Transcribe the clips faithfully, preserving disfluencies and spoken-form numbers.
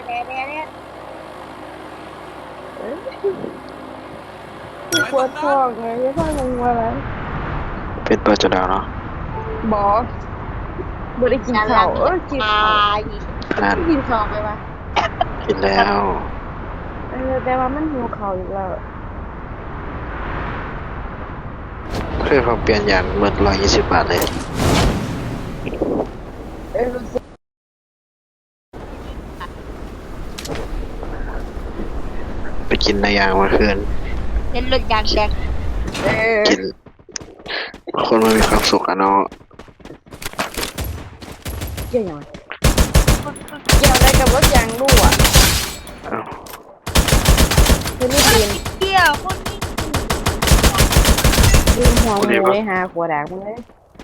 แน่แน่เนี่ยปวดท้องไงไม่ท้องงงอะไรเป็นตัวจะดาวเนาะบอกบ่ได้กินข้าวเออกินข้าวนั่นกินข้าวไปวะกินแล้วเออแต่ว่ามันหิวข้าวอีกแล้วเพื่อเขาเปลี่ยนอย่างเมื่อร้อยยี่สิบบาทเลยเออรู้สึกไปกินในยางเมื่อคืนเล่นรถยางแดงเออกินคนมันมีความสุขอะเนาะเกี่ยวยังไงเกี่ยวอะไรกับรถยางรั่วเอ้าคือรีบเรียนเกี่ยวคนนี้ลืมหัวหมูเลยหาขวดด่างมึงเลย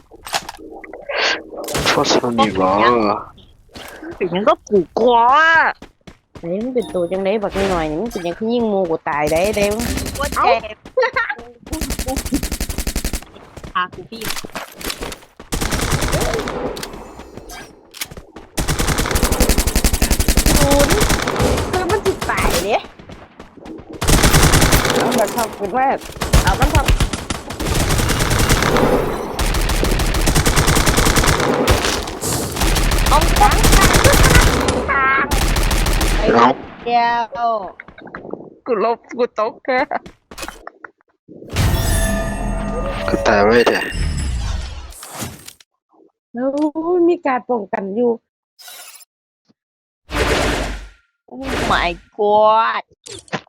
โทษสนิบเหรอเป็นยังก็ผูกคอไอ้มันเป็นตัวจังไดบักนิดหน่อยนี่มันเป็นหยังคือยิงหมูกูตายได้เด้ว่าเจ็บพากูพี่ศูนย์คือมันสิตายเด้เอาแบบทำเป็นว่าเอามันทำเอาทางทางทางไอ้เนาะเดียวกูลบกูตกแค่ก็ตายไว้แต่แล้วมีการป้องกันอยู่โอ้ my god